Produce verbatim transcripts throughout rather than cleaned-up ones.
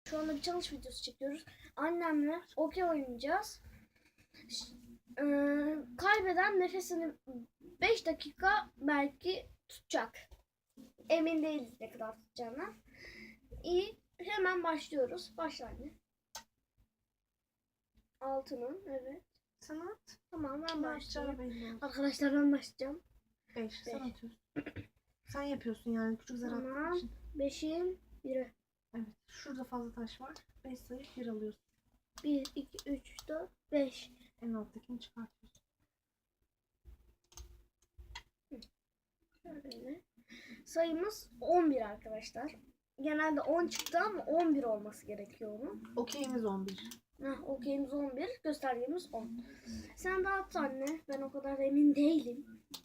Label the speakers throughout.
Speaker 1: Şu anda bir challenge videosu çekiyoruz. Annemle okey oynayacağız. Ee, kaybeden nefesini beş dakika belki tutacak. Emin değiliz ne kadar tutacağına. İyi, hemen başlıyoruz. Başla anne. Altının, evet.
Speaker 2: Sen at.
Speaker 1: Tamam, ben başlayayım.
Speaker 2: Belli
Speaker 1: Arkadaşlar ben başlayacağım.
Speaker 2: Beş. Sen atıyorsun. Sen yapıyorsun yani küçük zar attığın
Speaker 1: Tamam.
Speaker 2: için.
Speaker 1: Beşin biri.
Speaker 2: Evet. Şurada fazla taş var. Beş sayıp bir alıyorsun.
Speaker 1: Bir, iki, üç, dört, beş.
Speaker 2: En alttakini çıkartıyorsun.
Speaker 1: Şöyle. Sayımız on bir arkadaşlar. Genelde on çıktı ama on bir olması gerekiyor onun.
Speaker 2: Okeyimiz on bir.
Speaker 1: Heh, okeyimiz on bir, göstergemiz on. Sen de at anne. Ben o kadar emin değilim.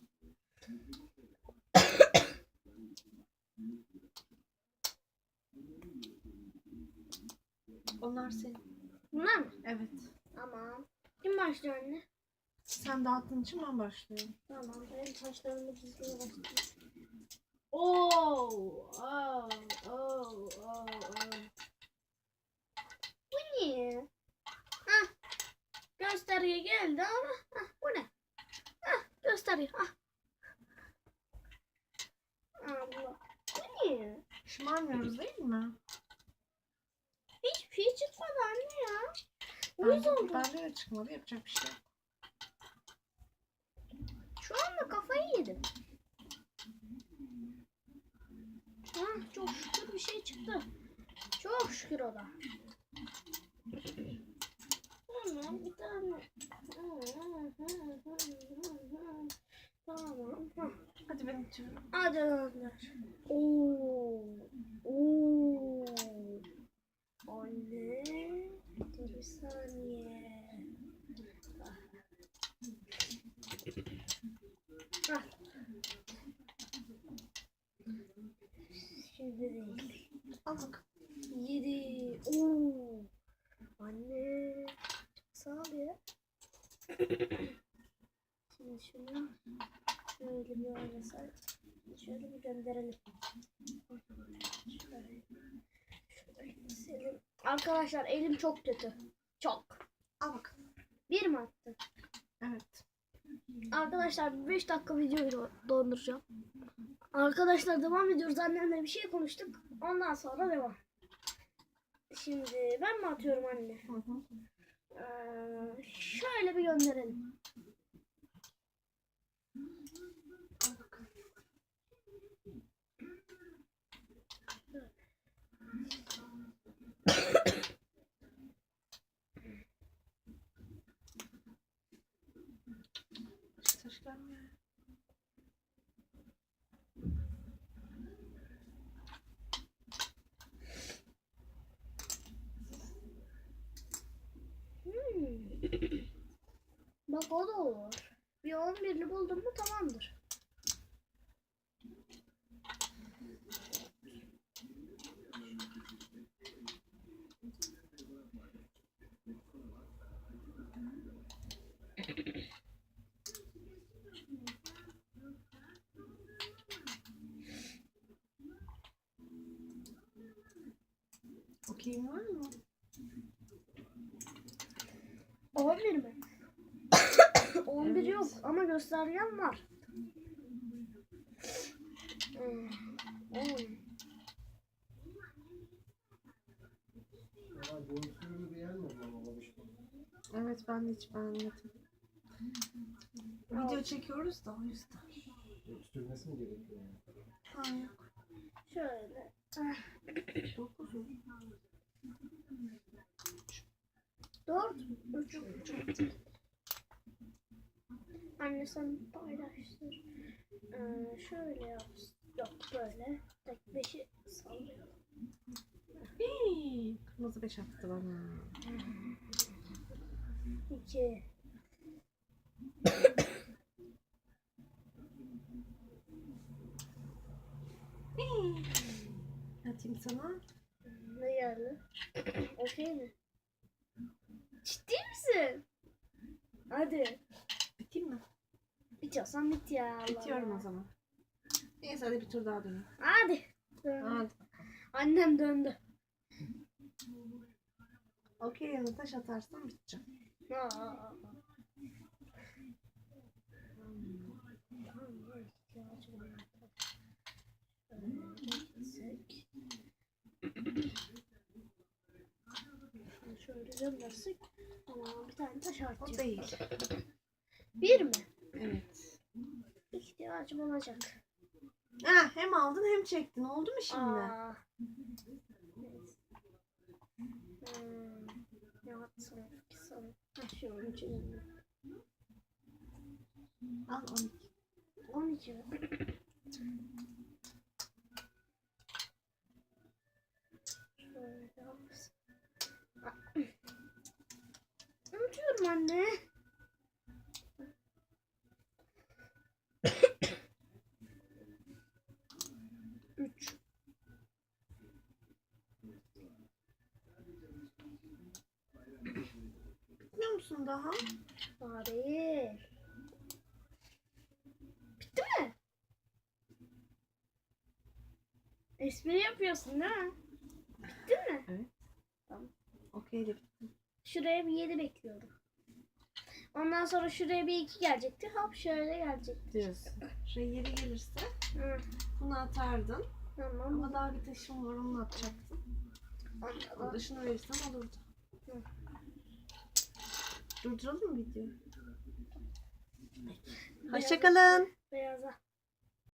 Speaker 2: Onlar senin.
Speaker 1: Bunlar mı?
Speaker 2: Evet.
Speaker 1: Tamam. Kim başlıyor anne?
Speaker 2: Sen dağıttığın için ben başlıyorum.
Speaker 1: Tamam. Benim taşlarımı dizmeye başlayayım.
Speaker 2: Oo, oh, oh, oh, oh.
Speaker 1: Bu niye? Hah. Gösterge geldi ama hah, bu ne? Hah, gösterge. Hah. Allah. Bu niye?
Speaker 2: Şımarmıyoruz değil mi?
Speaker 1: Hiçbir şey çıkmadı anne ya.
Speaker 2: Ben,
Speaker 1: Uyuz oldu.
Speaker 2: bende de çıkmadı. Yapacak bir şey yok.
Speaker 1: Şu anda kafayı yedim. Ah, çok şükür bir şey çıktı. Çok şükür o da. Tamam, bir tane. Tamam.
Speaker 2: Hadi ben atıyorum.
Speaker 1: Hadi gönder. Oo. Oo. Anne. Dur bir saniye. Ah. Şimdi değil.
Speaker 2: Al bak.
Speaker 1: Yedi. Oo. Anne. Sağ ol ya. Şimdi şunu şöyle bir oynasak. Şöyle bir gönderelim. Şöyle. Şöyle senin. Arkadaşlar elim çok kötü. Çok.
Speaker 2: Al bak.
Speaker 1: Bir mi attı?
Speaker 2: Evet.
Speaker 1: Arkadaşlar beş dakika videoyu donduracağım. Arkadaşlar devam ediyoruz. Annemle bir şey konuştuk. Ondan sonra devam. Şimdi ben mi atıyorum anne?
Speaker 2: Hı hı.
Speaker 1: Ee, şöyle bir gönderelim.
Speaker 2: Al bak. Başka taş gelmiyor.
Speaker 1: Hmm. Bak o da olur. Bir on birini buldum mu tamamdır.
Speaker 2: Okeyim var mı?
Speaker 1: on bir mi? on bir evet. Yok ama göstergen var. Hmm. on.
Speaker 2: Evet ben de hiç beğenmedim. Video çekiyoruz da o yüzden.
Speaker 3: Sürmesi mi gerekiyor?
Speaker 2: Ha yok.
Speaker 1: Şöyle.
Speaker 2: Dokuz mu?
Speaker 1: Dört. Üç. Anne sen paylaştır. Ee, şöyle yap. Yok böyle. Tek beşi sallıyorum.
Speaker 2: Hii, kırmızı beş attı bana.
Speaker 1: İki.
Speaker 2: Hii. Atayım sana.
Speaker 1: Ne geldi? Okey mi? Ciddi misin? Hadi.
Speaker 2: Biteyim mi?
Speaker 1: Bitiyorsan bit ya. Allah
Speaker 2: Bitiyorum
Speaker 1: Allah.
Speaker 2: o zaman. Neyse hadi bir tur daha döneyim.
Speaker 1: Hadi. Dön.
Speaker 2: Hadi.
Speaker 1: Annem döndü.
Speaker 2: Okey yerine taş atarsan bitecek.
Speaker 1: Aa. Şöyle göndersek. Tamam, bir tane taş
Speaker 2: O
Speaker 1: artıyor.
Speaker 2: değil.
Speaker 1: Bir mi?
Speaker 2: Evet.
Speaker 1: İhtiyacım olacak.
Speaker 2: Ha, hem aldın hem çektin. Oldu mu şimdi?
Speaker 1: Aa. Hmm. Ne atsam ki sana? Ha, şunun içine.
Speaker 2: Al on iki.
Speaker 1: on iki mi? Şöyle yapsın. Aa. Unutuyorum anne. Üç.
Speaker 2: Bitmiyor musun daha?
Speaker 1: Bari. Bitti mi? Espri yapıyorsun değil mi? Bitti mi?
Speaker 2: Okey de bitti.
Speaker 1: Şuraya bir yedi bekliyorum. Ondan sonra şuraya bir iki gelecekti. Hop şöyle gelecekti.
Speaker 2: Diyorsun. Şuraya yeri gelirse
Speaker 1: Hı,
Speaker 2: bunu atardın.
Speaker 1: tamam.
Speaker 2: Ama daha bir taşım var, onu atacaktın. O
Speaker 1: Ondan
Speaker 2: da şunu verirsen olurdu.
Speaker 1: Hı.
Speaker 2: Durduralım mı videoyu?
Speaker 1: Beyaz-
Speaker 2: Hoşçakalın.
Speaker 1: Beyaza.